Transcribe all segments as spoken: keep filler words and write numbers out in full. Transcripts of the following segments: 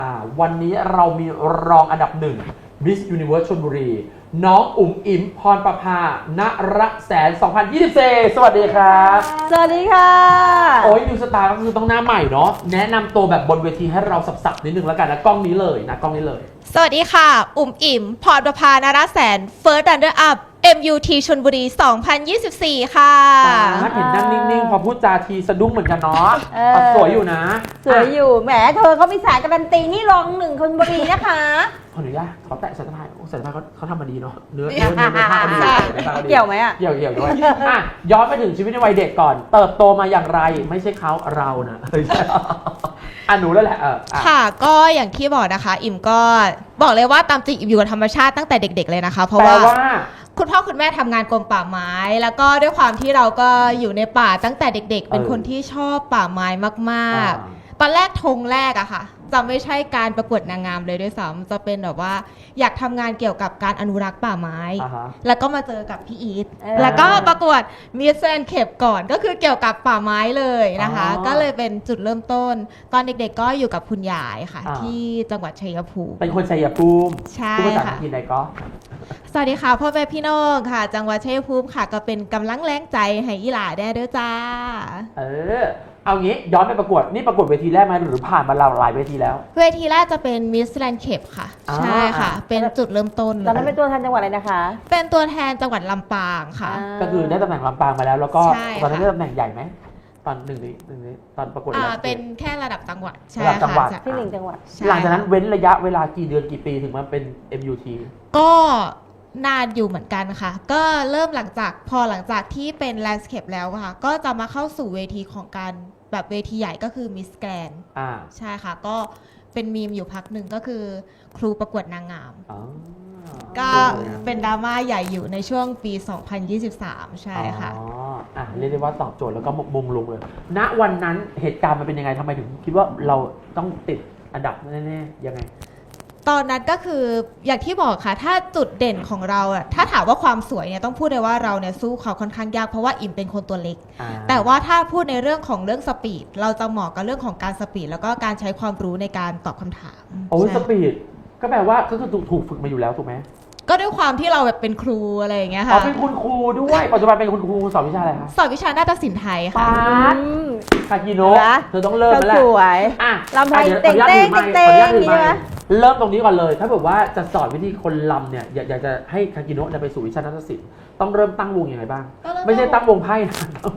วันนี้เรามีรองอันดับหนึ่ง Miss Universe ชลบุรีน้องอุ๋มอิ๋มพรประภานรแสน สองพันยี่สิบสี่ สวัสดีครับสวัสดีค่ะโอ้ยนิวสตาร์ก็คือต้องหน้าใหม่เนาะแนะนำตัวแบบบนเวทีให้เราสับๆนิดนึงแล้วกันนะกล้องนี้เลยนะกล้องนี้เลยสวัสดีค่ะอุ๋มอิ๋มพรประภานรแสน First Runner Up เอ็ม ยู ที ชลบุรี สองพันยี่สิบสี่ ค่ะเห็นนั่งนิ่งๆพอพูดจาทีสะดุ้งเหมือนกันเนาะสวยอยู่นะสวยอยู่แหมเธอเขามีสายการันตีนี่รองหนึ่งชลบุรีนะคะขออนุญาตขอแตะสายสะพายสายสะพายเขาเขาทำมาดีเนาะเนื้อเนื้อเนื้อเนื้อผ้าดีเกี่ยวไหมอ่ะเกี่ยวเกี่ยวด้วยอ่ะย้อนไปถึงชีวิตในวัยเด็กก่อนเติบโตมาอย่างไรไม่ใช่เขาเรานะอ่ะหนูแล้วแหละเออค่ะก็อย่างที่บอกนะคะอิมก็บอกเลยว่าตามจริงอิมอยู่กับธรรมชาติตั้งแต่เด็กๆเลยนะคะเพราะว่าคุณพ่อคุณแม่ทำงานกรมป่าไม้แล้วก็ด้วยความที่เราก็อยู่ในป่าตั้งแต่เด็กๆเป็นคนที่ชอบป่าไม้มากๆตอนแรกธงแรกอะค่ะจะไม่ใช่การประกวดนางงามเลยด้วยซ้ำจะเป็นแบบว่าอยากทำงานเกี่ยวกับการอนุรักษ์ป่าไม้ uh-huh. แล้วก็มาเจอกับพี่อีท uh-huh. แล้วก็ประกวดมิสแกรนด์เขปก่อนก็คือเกี่ยวกับป่าไม้เลยนะคะ uh-huh. ก็เลยเป็นจุดเริ่มต้นตอนเด็กๆก็อยู่กับคุณยายค่ะ uh-huh. ที่จังหวัดชัยภูมิเป็นคนชัยภูมิใช่ค่ะที่ไหนก็สวัสดีค่ะพ่อแม่พี่น้องค่ะจังหวัดชัยภูมิค่ะก็เป็นกำลังแรงใจให้อีหล่าได้ด้วยจ้าเออเอางี้ย้อนไปประกวดนี่ประกวดเวทีแรกไหมหรือผ่านมาหลายเวทีแล้วเวทีแรกจะเป็นมิสแกรนด์เขปค่ะใช่ค่ะเป็นจุดเริ่มต้นตอนนั้นเป็นตัวแทนจังหวัดอะไรนะคะเป็นตัวแทนจังหวัดลำปางค่ะก็คือได้ตำแหน่งลำปางมาแล้วแล้วก็ตอนนั้นได้ตำแหน่งใหญ่ไหมตอนหนึ่งนี้หนึ่งนี้ตอนประกวดเป็นแค่ระดับจังหวัดใช่ค่ะที่หนึ่งจังหวัดหลังจากนั้นเว้นระยะเวลากี่เดือนกี่ปีถึงมาเป็น เอ็ม ยู ทีก็นานอยู่เหมือนกันค่ะก็เริ่มหลังจากพอหลังจากที่เป็นแลนด์สเคปแล้วค่ะก็จะมาเข้าสู่เวทีของการแบบเวทีใหญ่ก็คือมิสแกรนด์ใช่ค่ะก็เป็นมีมอยู่พักหนึ่งก็คือครูประกวดนางงามก็เป็นดราม่าใหญ่อยู่ในช่วงปี สองพันยี่สิบสาม ใช่ค่ะอ๋ออ่ะเรียกได้ว่าตอบโจทย์แล้วก็มงลงเลยณวันนั้นเหตุการณ์มันเป็นยังไงทำไมถึงคิดว่าเราต้องติดอันดับแน่ๆยังไงตอนนั้นก็คืออย่างที่บอกค่ะถ้าจุดเด่นของเราอะถ้าถามว่าความสวยเนี่ยต้องพูดเลยว่าเราเนี่ยสู้เขาค่อนข้างยากเพราะว่าอิ่มเป็นคนตัวเล็กแต่ว่าถ้าพูดในเรื่องของเรื่องสปีดเราจะเหมาะกับเรื่องของการสปีดแล้วก็การใช้ความรู้ในการตอบคำถามโอ้สปีดก็แปลว่าก็คือถูกฝึกมาอยู่แล้วถูกไหมก็ด้วยความที่เราแบบเป็นครูอะไรอย่างเงี้ยค่ะอ๋อเป็นคุณครูด้วยปัจจุบันเป็นคุณครูสอนวิชาอะไรคะสอนวิชานาฏศิลป์ไทยค่ะคากิโนะเธอต้องเริ่มแล้วแหละสวยอ่ะลำไทยเต้งเต้งเต้งนี่ไหมเริ่มตรงนี้ก่อนเลยถ้าแบบว่าจะสอนวิธีคนลำเนี่ยอยากจะให้คากิโนะไปสู่วิชานาฏศิลป์ต้องเริ่มตั้งวงยังไงบ้างไม่ใช่ตั้งวงไพ่นะ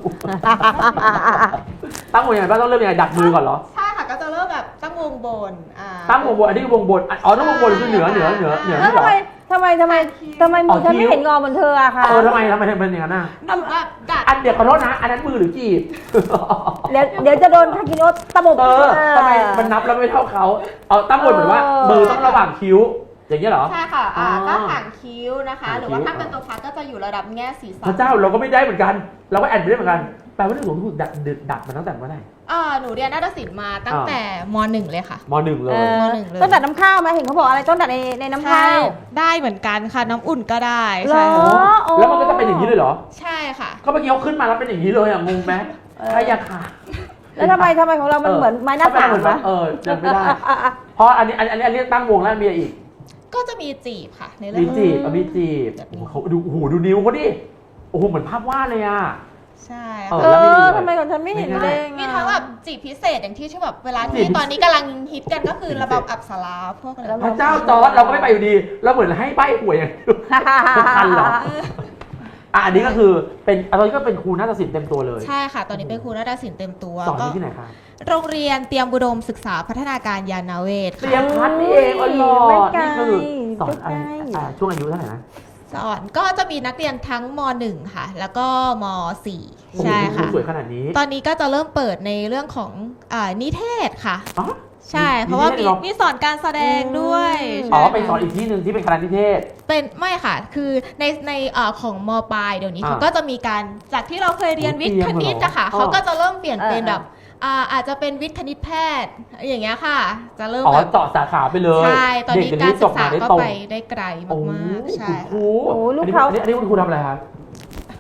ตั้งวงยังไงบ้างต้องเริ่มยังไงดักมือก่อนเหรอใช่ค่ะก็จะเริ่มแบบตั้งวงบนตั้งวงบนอันนี้วงบนอ๋อตั้งวงบนคือเหนือเหนือเหนือเหนือทำไมทำไมทำไมทำไมมือฉันไม่เห็นงอเหมือนเธออะคะเออทำไมทำไมเป็นอย่างนั้นน่ะอันเดียวขอโทษนะอันนั้นมือหรือจีบเดี๋ยวเดี๋ยวจะโดนคากิโนะตะบกเออทำไมมันนับแล้วไม่เท่าเขาเอาตั้งบนเหมือนว่ามือต้องระหว่างคิ้วอย่างนี้เหรอใช่ค่ะอ่าก็ห่างคิ้วนะคะหรือว่าถ้าเป็นตัวพักก็จะอยู่ระดับแง่ศีรษะพระเจ้าเราก็ไม่ได้เหมือนกันเราก็แอนไม่ได้เหมือนกันแปลว่าเรื่องของถูกดักดักมาตั้งแต่เมื่อไหร่อ่าหนูเรียนนาฏศิลป์มาตั้งแต่ม.หนึ่ง เลยค่ะม.หนึ่ง เลยม.หนึ่ง เลยต้องดัดน้ำข้าวไหมเห็นเขาบอกอะไรต้องดัดในในน้ำข้าวได้เหมือนกันค่ะน้ำอุ่นก็ได้ใช่แล้วมันก็จะเป็นอย่างนี้เลยเหรอใช่ค่ะก็เมื่อกี้เขาขึ้นมาแล้วเป็นอย่างนี้เลยอ่ะงงไหมใช่ยาค่ะแล้วทำไมทำไมของเรามันเหมือนไม้หน้าสามวะเออยังไม่ได้เพราะอันนี้อันนี้อันนี้ตั้งวงแล้วมีอีกก็จะมีจีบค่ะในเรื่องมีจีบมีจีบเขาดูโอ้โหดูนิ้วเขาดิโอ้โหเหมือนภาพวาดเลยอ่ะใช่เออทำไมของฉันไม่เห็นเลยมีทั้งแบบจีบพิเศษอย่างที่ที่แบบเวลาที่ตอนนี้กำลังฮิตกันก็คือระบำอัปสราพวกอะไรพระเจ้าจอร์จเราก็ไม่ไปอยู่ดีเราเหมือนให้ใบหวยอย่างทันเหรออ่ะอันนี้ก็คือเป็นตอนนี้ก็เป็นครูนาฏศิลป์เต็มตัวเลยใช่ค่ะตอนนี้เป็นครูนาฏศิลป์เต็มตัวสอนที่ไหนคะโรงเรียนเตรียมอุดมศึกษาพัฒนาการยานาเวศเตรียมพัฒน์นี่เองอ๋อนี่คือสอนอะไรช่วงอายุเท่าไหร่นะสอนก็จะมีนักเรียนทั้งม.หนึ่ง ค่ะแล้วก็ม.สี่ ใช่ค่ะสวยขนาดนี้ตอนนี้ก็จะเริ่มเปิดในเรื่องของนิเทศค่ะใช่เพราะว่ามีมีสอนการแสดงด้วยอ๋อไปสอนอีกที่หนึ่งที่เป็นคณะนิเทศเป็นไม่ค่ะคือในในของม.ปลายเดี๋ยวนี้เขาก็จะมีการจากที่เราเคยเรียนวิทย์คณิตอะค่ะเขาก็จะเริ่มเปลี่ยนเป็นแบบอาจจะเป็นวิทย์คณิตแพทย์อย่างเงี้ยค่ะจะเริ่มแบบเจาะสาขาไปเลยใช่ตอนนี้การศึกษาก็ไปได้ไกลมากๆใช่ครูลูกเขาอันนี้คุณครูทำอะไรครับ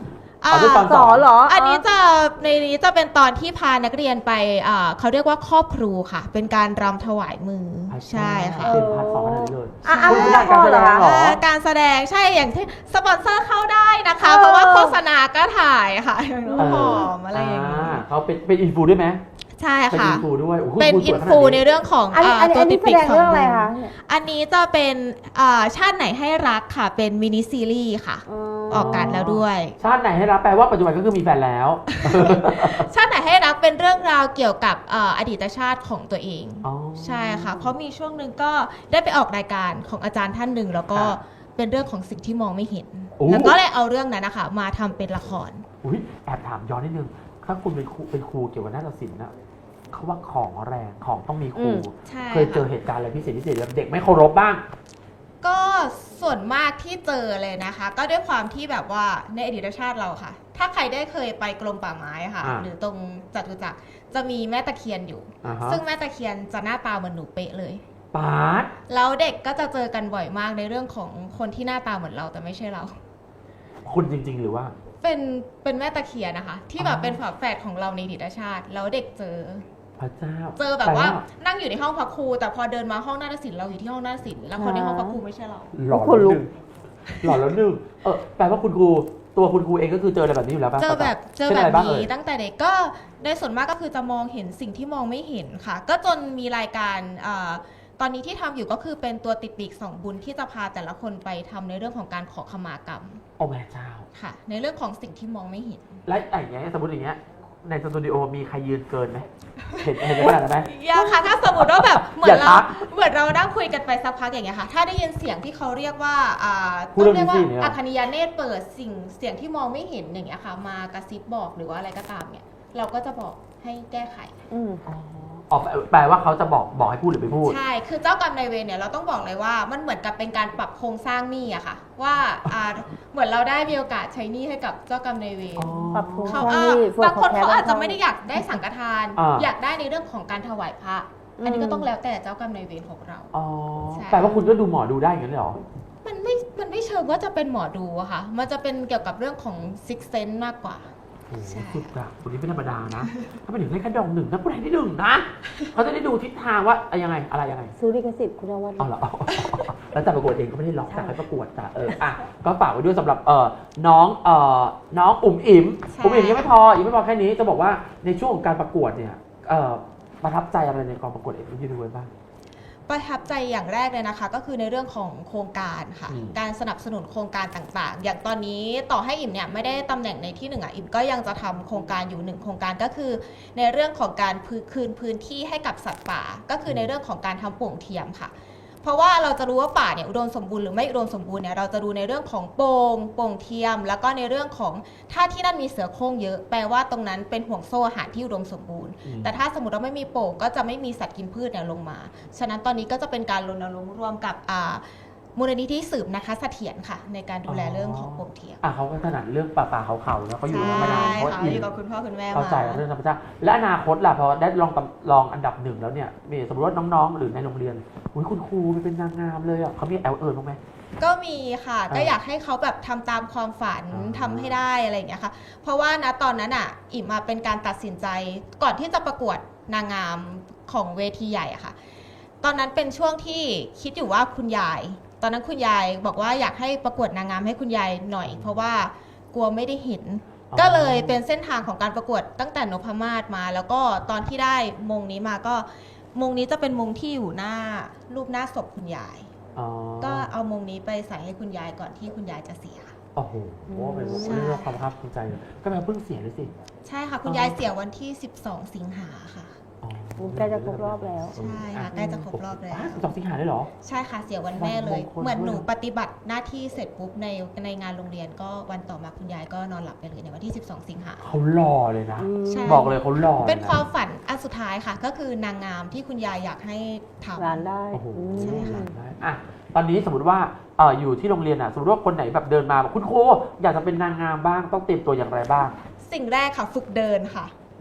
อ่าอ๋อเป็นตอนสอนเหรออันนี้จะในนี้จะเป็นตอนที่พานักเรียนไปอ่าเขาเรียกว่าครอบครูค่ะ เป็นการรำถวายมือใช่ค่ะเป็นพาร์ทสองขนาดนี้เลยอ่ะอ่ะคุณไม่อยากการแสดงเหรออ่าการแสดงใช่อย่างที่สปอนเซอร์เข้าได้นะคะเออเพราะว่าโฆษณาก็ถ่ายค่ะอย่างน้ำหอมอะไรอย่างนี้เขาเป็นเป็นอินฟูด้วยไหมใช่เป็นค่ะอินฟูด้วยโโหเป็นคุณสอิวยนขนาดฟูในเรื่องของอันนี้อ่าอันนี้ตัอัวนนี้ติดแสปีดกงสองเรื่องอะไรดวคะงอันนี้จะเป็นอ่าชาติไหนให้รักค่ะ เป็นมินิซีรีส์ค่ะ ออกอากาศแล้วด้วยชาติไหนให้รับแปลว่าปัจจุบันก็คือมีแฟนแล้วชาติไหนให้รักเป็นเรื่องราวเกี่ยวกับเอ่ออดีตชาติของตัวเองอ๋อใช่ค่ะ เพราะมีช่วงหนึ่งก็ได้ไปออกรายการของอาจารย์ท่านหนึ่งแล้วก็ค่ะเป็นเรื่องของสิ่งที่มองไม่เห็นโอ้แล้วก็เลยเอาเรื่องนั้นนะคะมาทำเป็นละครอุ๊ยแอบถามย้อนนิดนึง ถ้าคุณเป็นครูเป็นครูเกี่ยวกับนาฏศิลป์นะเขาว่าของแรงของต้องมีครูอืมใช่เคยเจอค่ะเหตุการณ์อะไรพิเศษพิเศษแบบเด็กไม่เคารพบ้างก็ส่วนมากที่เจอเลยนะคะ ก็ด้วยความที่แบบว่าในอดีตชาติเราค่ะ ถ้าใครได้เคยไปกรมป่าไม้ค่ะอ่าหรือตรงจตุจักรจะมีแม่ตะเคียนอยู่อ่าฮะซึ่งแม่ตะเคียนจะหน้าตาเหมือนหนูเป๊ะเลยปาดแล้วเด็กก็จะเจอกันบ่อยมากในเรื่องของคนที่หน้าตาเหมือนเราแต่ไม่ใช่เราคุณจริง ๆ หรือว่าเป็นเป็นแม่ตะเคียนนะคะ ที่แบอ๋บอเป็นฝาแฝดของเราในอดีตชาติ แล้วเด็กเจอพระเจ้าเจอแบบว่านั่งอยู่ในห้องพักครูแต่พอเดินมาห้องนาฏศิลป์เราอยู่ที่ห้องนาฏศิลป์แล้วคนในห้องพักครูไม่ใช่เราหล่อคนแล้วลุหกนึ่งหล่อแล้วหนึ่งเออแปลว่าคุณครูตัวคุณครูเองก็คือเจออะไรแบบนี้อยู่แล้วป่ะเจอแบบเจอช่นแบอะไรบบ้างเอ่นี้ยตั้งแต่เด็กก็ในส่วนมากก็คือจะมองเห็นสิ่งที่มองไม่เห็นค่ะ ก็จนมีรายการเอ่อตอนนี้ที่ทำอยู่ก็คือเป็นตัวติดปีกสองบุญที่จะพาแต่ละคนไปทำในเรื่องของการขอขมากรรมโอ้แม่เจ้าค่ะ ในเรื่องของสิ่งที่มองไม่เห็นและอย่างเงี้ยสมมติอย่างเงี้ยในสตูดิโอมีใครยืนเกินไหมเห็นเห็นขนาดนั้นไหมยังค่ะถ้าสมมติว่าแบบเหมือนอย่าเราทักเหมือนเรานั่งคุยกันไปสักพักอย่างเงี้ยค่ะถ้าได้ยินเสียงที่เขาเรียกว่าอ่าพูดต้เรื่อองงเรียกว่านี้สิเนี่ยอัคคณียเนตรเปิดสิ่งเสียงที่มองไม่เห็นอย่างเงี้ยค่ะ มากระซิบบอกหรือว่าอะไรก็ตามเนี่ยเราก็จะบอกให้แก้ไขอืมอ๋อแปลว่าเขาจะบอกบอกให้พูดหรือไม่พูดใช่ คือเจ้ากรรมนายเวรเนี่ยเราต้องบอกเลยว่ามันเหมือนกับเป็นการปรับโครงสร้างหนี้อะค่ะ ว่าอ่าเหมือนเราได้มีโอกาสใช้หนี้ให้กับเจ้ากรรมนายเวรอ๋อปรับปรุงเขาช่องอ่านี้ส่วนบางขคองนแท้เขาอาจจะบงไม่ได้อยากได้สังฆทานอ่าอยากได้ในเรื่องของการถวายพระ อันนี้ก็ต้องแล้วแต่เจ้ากรรมนายเวรของเราอ๋อใช่แปลว่าคุณก็ดูหมอดูได้อย่างนั้นเลยเหรอมันไม่ มันไม่เชิงว่าจะเป็นหมอดูอะค่ะ มันจะเป็นเกี่ยวกับเรื่องของซิกเซนมากกว่าโอ้โหใช่สุดอะคนนี้ไม่ธรรมดานะ ถ้าไปถึงได้แค่ดองหนึ่งนะผู้ใดที่หนึ่งนะ เขาจะได้ดูทิศทางว่าอะยังไงอะไรยังไงซื้อลิขสิทธิ์คุณนวัดเอาเหรอ แล้วแต่ประกวดเองก็ไม่ได้ล็อกใช่แต่ให้ประกวดแต่เอออ่ะก็ฝากไว้ด้วยสำหรับเออน้องเออน้องอุ๋มอิ๋มใช่อุ๋มอิ๋มยังไม่พอยังไม่พอแค่นี้จะบอกว่าในช่วงของการประกวดเนี่ยเออประทับใจอะไรในกองประกวดเอ็มยูนิเวิร์สบ้างประทับใจอย่างแรกเลยนะคะ ก็คือในเรื่องของโครงการค่ะอืมการสนับสนุนโครงการต่างๆ อย่างตอนนี้ต่อให้อิ่มเนี่ยไม่ได้ตำแหน่งในที่หนึ่งอ่ะอิ่มก็ยังจะทำโครงการอยู่หนึ่งโครงการก็คือ ในเรื่องของการพื้นคืนพื้นที่ให้กับสัตว์ป่า ก็คือในเรื่องของการทำโป่งเทียมค่ะ เพราะว่าเราจะรู้ว่าป่าเนี่ยอุดมสมบูรณ์หรือไม่อุดมสมบูรณ์เนี่ยเราจะดูในเรื่องของโป่งโป่งเทียม แล้วก็ในเรื่องของถ้าที่นั่นมีเสือโคร่งเยอะแปลว่าตรงนั้นเป็นห่วงโซ่อาหารที่อุดมสมบูรณ์อืมแต่ถ้าสมมติว่าไม่มีโป่งก็จะไม่มีสัตว์กินพืชเนี่ยลงมา ฉะนั้นตอนนี้ก็จะเป็นการรณรงค์ร่วมกับอ่ามูลนิธิสืบนะคะเสถียรค่ะ ในการดูแลเรื่องของโป่งเทียมอ่ะเขาก็ถนัดเรื่องป่าป่าเขาเขาๆแล้วเขาอยู่มามานานใช่เขาค่ะอินอยู่กับคุณพ่อคุณแม่เข้าใจมาเรื่องธรรมชาติและอนาคตล่ะพอได้ลองตำลองอันดับหนึ่งแล้วเนี่ยมีสมมติว่าน้องๆ หรือในโรงเรียนอุ้ยคุณครูไปเป็นนางงามเลยอ่ะเขามีแอลเอิญบ้างไหมก็มีค่ะอ่าก็อยากให้เขาแบบทำตามความฝันอ่าทำให้ได้อะไรอย่างเงี้ยค่ะ เพราะว่านะตอนนั้นอ่ะอิ่มมาเป็นการตัดสินใจก่อนที่จะประกวดนางงามของเวทีใหญ่อะค่ะ ตอนนั้นเป็นช่วงที่คิดอยู่ว่าคุณยาย ตอนนั้นคุณยายบอกว่าอยากให้ประกวดนางงามให้คุณยายหน่อย เพราะว่ากลัวไม่ได้เห็นอ๋อก็เลยเป็นเส้นทางของการประกวดตั้งแต่นพมาศมา แล้วก็ตอนที่ได้มงนี้มาก็มงนี้จะเป็นมงที่อยู่หน้ารูปหน้าศพคุณยายอ๋อก็เอามงนี้ไปใส่ให้คุณยายก่อนที่คุณยายจะเสียโอ้โหเป็นใช่เรื่องความภาคภูมิใจเลยก็แปลว่าเพิ่งเสียเลยสิใช่ค่ะ คุณอ๋อยายเสียวันที่ สิบสอง สิงหาค่ะอ๋อใกล้จะครบรอบแล้วใช่ค่ะใกล้จะครบรอบแล้วสิบสองสิงหาได้เหรอใช่ค่ะเสียวันแม่เลยวันมงคลเหมือนหนูด้วยปฏิบัติหน้าที่เสร็จปุ๊บในในงานโรงเรียนก็วันต่อมาคุณยายก็นอนหลับไปเลยในวันที่ สิบสอง สิงหาเขาหล่อเลยนะอืมใช่บอกเลยเขาหล่อลยะเป็นความฝันอันสุดท้ายค่ะ ก็คือนางงามที่คุณยายอยากให้ทำร้านได้โอ้โหอืมใช่ค่ะได้อ่ะตอนนี้สมมติว่าเอออยู่ที่โรงเรียนอ่ะสมมติว่าคนไหนแบบเดินมาบอกคุณครูอยากจะเป็นนางงามบ้างต้องเตรียมตัวอย่างไรบ้างสิ่งแรกค่ะฝึกเดินค่ะเ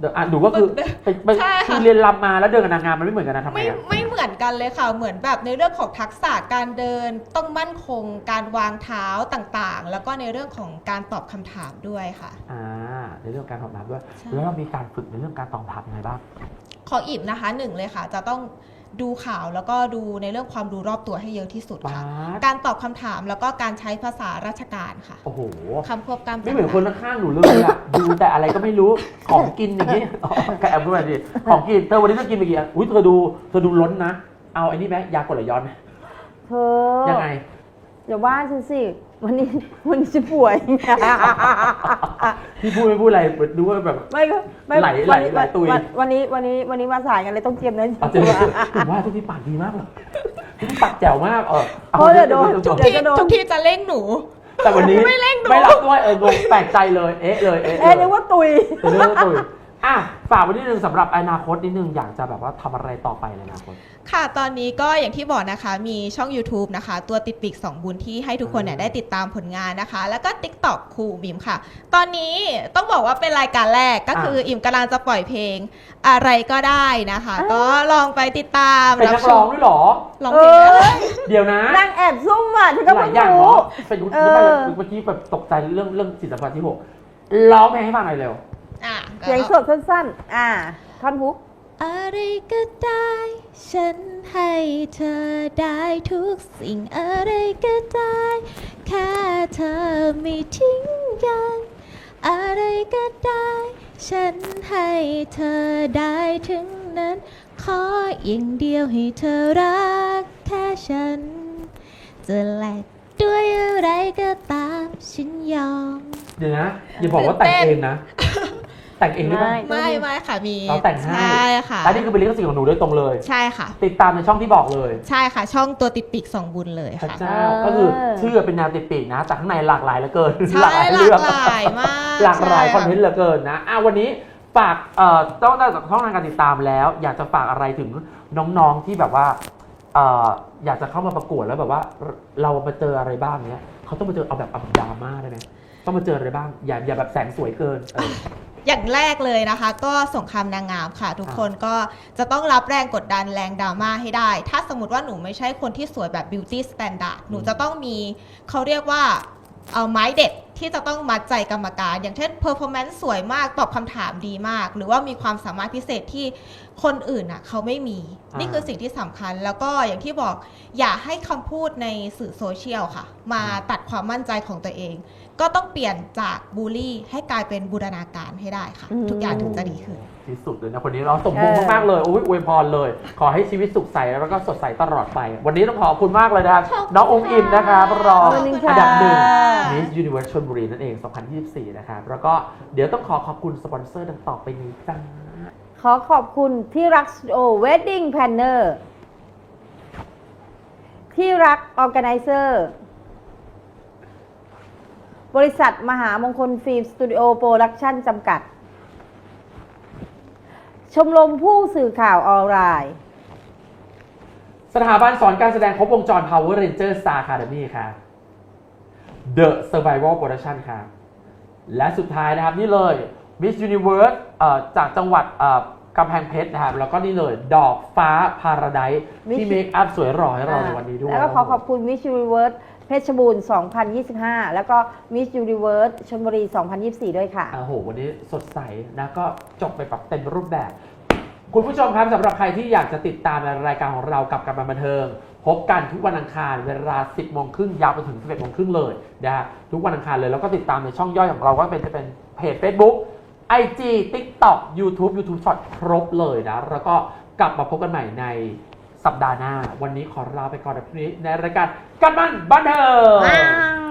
เดี๋ยวอ่ะดูก็คือไปไปใช่ค่ะคือเรียนรำมาแล้วเดินกับนางงามมันไม่เหมือนกันนะทำไมไม่อ่ะไม่เหมือนกันเลยค่ะ เหมือนแบบในเรื่องของทักษะการเดินต้องมั่นคง การวางเท้าต่างๆ แล้วก็ในเรื่องของการตอบคำถามด้วยค่ะอ่าในเรื่องการตอบคำถามด้วยใช่แล้วเรามีการฝึกในเรื่องการตอบคำถามยังไงบ้างของอิ่มนะคะหนึ่งเลยค่ะ จะต้องดูข่าวแล้วก็ดูในเรื่องความรู้รอบตัวให้เยอะที่สุดค่ะป๊าดการตอบคำถามแล้วก็การใช้ภาษาราชการค่ะโอ้โหคำควบกล้ำไม่เหมือนคนข้างๆหนูเลยอะ ดูแต่อะไรก็ไม่รู้ของกินอย่างนี้ อ๋อกระแอบขึ้นมาดิของกินเธอวันนี้เธอกินไปกี่อันอุ้ยเธอดูเธอดูล้นนะ เอาไอ้นี่ไหมยากดไหลย้อนไหมเธอยังไงอย่าว่าฉันสิ วันนี้วันนี้ฉันป่วยพี่พูดไม่พูดอะไรดูว่าแบบไม่ก็ไม่ไหลไหลวันนี้ไหลตุยวันวันนี้วันนี้วันนี้มาสายกันเลยต้องเตรียมเนื้อเอาเจอผมว่าทุกที่ปากดีมากเลยทุกที่ปากแจ๋วมากเออเพราะเดี๋ยวโดนจบที่ทุกที่จะเร่งหนูแต่วันนี้ไม่เร่งหนูไม่รับด้วยเอองงแปลกใจเลยเอ๊ะเลยเอ๊ะเอ๊ะนึกว่าตุยเป็นเรื่องตุยอ่ะฝากไว้นิดนึงสำหรับอนาคตนิดนึงอยากจะแบบว่าทำอะไรต่อไปในอนาคตค่ะ ตอนนี้ก็อย่างที่บอกนะคะ มีช่อง YouTube นะคะ ตัวติดปีกสองบุญที่ให้ทุกคนเนี่ยอ่าได้ติดตามผลงานนะคะ แล้วก็ TikTok ครูบิมค่ะ ตอนนี้ต้องบอกว่าเป็นรายการแรกก็คืออิ่มกำลังจะปล่อยเพลงอะไรก็ได้นะคะอ่าก็ลองไปติดตามเป็นนักร้องด้วยเหรอร้องเพลงได้เดี๋ยวนะนางแอบซุ่มอ่ะฉันก็หลาเพิ่ยงอย่างรู้เนาะเป็นเออเมื่อกี้แบบตกใจเรื่องเรื่องจิตสัมผัสที่หกร้องเพลงให้ฟังหน่อยเร็วอ่ะเสียงสดสั้นๆ อ่า ท่อนฮุกอะไรก็ได้ ฉันให้เธอได้ทุกสิ่งอะไรก็ได้ แค่เธอไม่ทิ้งกัน อะไรก็ได้ ฉันให้เธอได้ถึงนั้น ขออย่างเดียวให้เธอรักแค่ฉัน จะแลกด้วยอะไรก็ตามฉันยอมเดี๋ยวนะอย่าบอกว่าแต่งเองนะ แต่งเองได้ไหมไม่ไม่ไม่ค่ะมีเราแต่งให้ใช่ค่ะและนี่คือเป็นลิขสิทธิ์ของหนูโดยตรงเลยใช่ค่ะติดตามในช่องที่บอกเลยใช่ค่ะ ช่องตัวติดปีกสองบุญเลยพระค่ะเจ้าเออก็คือชื่อเป็นแนวติดปีกนะแต่ข้างในหลากหลายเหลือเกินใช่หลากหลายมากหลากหลายใช่คอนเทนต์เหลือเกินนะอ่ะวันนี้ฝากเอ่อต้องได้จากช่องทางการติดตามแล้ว อยากจะฝากอะไรถึงน้องๆที่แบบว่าเอ่ออยากจะเข้ามาประกวดแล้วแบบว่าเรามาเจออะไรบ้างเนี้ยเขาต้องมาเจอเอาแบบเอาแบบดราม่าได้ไหมต้องมาเจออะไรบ้างอย่าอย่าแบบแสงสวยเกินเอออย่างแรกเลยนะคะ ก็สงครามนางงามค่ะ ทุกคนก็จะต้องรับแรงกดดันแรงดราม่าให้ได้ ถ้าสมมติว่าหนูไม่ใช่คนที่สวยแบบ beauty standard หนูจะต้องมีเขาเรียกว่าเอาไม้เด็ดที่จะต้องมัดใจกรรมการ อย่างเช่น performance สวยมากตอบคำถามดีมาก หรือว่ามีความสามารถพิเศษที่คนอื่นอ่ะเขาไม่มีอ่านี่นี่คือสิ่งที่สำคัญ แล้วก็อย่างที่บอกอย่าให้คำพูดในสื่อโซเชียลค่ะ มาตัดความมั่นใจของตัวเอง ก็ต้องเปลี่ยนจากบูลลี่ให้กลายเป็นบูรณาการให้ได้ค่ะอืมทุกอย่างถึงจะดีขึ้นที่สุดเลยนะคนนี้เราสมบูรณ์มากๆเลยโอ้ยอวยพรเลย ขอให้ชีวิตสุขใสแล้วก็สดใสตลอดไป วันนี้ต้องขอบคุณมากเลยนะครับขอบคุณน้ององค์อิมนะครับรองขอบคุณค่ะอันดับหนึ่ง Miss Universe ชลบุรีนั่นเอง สองพันยี่สิบสี่ นะครับ แล้วก็เดี๋ยวต้องขอขอบคุณสปอนเซอร์ดังต่อไปนี้จ้าขอขอบคุณที่รักสตูดิโอเวดดิ้งแพลนเนอร์ที่รักออ g a แก z นเซอร์บริษัทมหามงคลฟิล์มสตูดิโอโปรดักชั่นจำกัด ชมรมผู้สื่อข่าวออนไลน์สถาบันสอนการแสดงครบวงจร Power Ranger Star Academy ครับ The Survival Production ครับ และสุดท้ายนะครับนี่เลย Miss Universe เอ่อจากจังหวัดเอ่อกำแพงเพชรนะครับ แล้วก็นี่เลยดอกฟ้าพาราไดซ์ที่ Miss เมคอัพสวยหล่อให้เราในวันนี้ด้วยแล้วก็ขอขอบคุณ Miss Universe เพชรบูรณ์ สองพันยี่สิบห้า แล้วก็ Miss Universe ชลบุรี สองพันยี่สิบสี่ ด้วยค่ะโอ้โห วันนี้สดใสนะก็จบไปแบบเต็มรูปแบบ คุณผู้ชมครับสำหรับใครที่อยากจะติดตามในรายการของเรากับการบันเทิง พบกันทุกวันอังคารเวลา สิบโมงครึ่งยาวไปถึง สิบเอ็ดโมงครึ่งเลยนะฮะทุกวันอังคารเลยแล้วก็ติดตามในช่องย่อยของเราก็เป็นจะเป็นเพจ Facebook ไอ จี TikTok YouTube YouTube Short ครบเลยนะแล้วก็กลับมาพบกันใหม่ในสัปดาห์หน้า วันนี้ขอลาไปก่อนในพรุ่งนี้ในรายการกันมันบันเทิง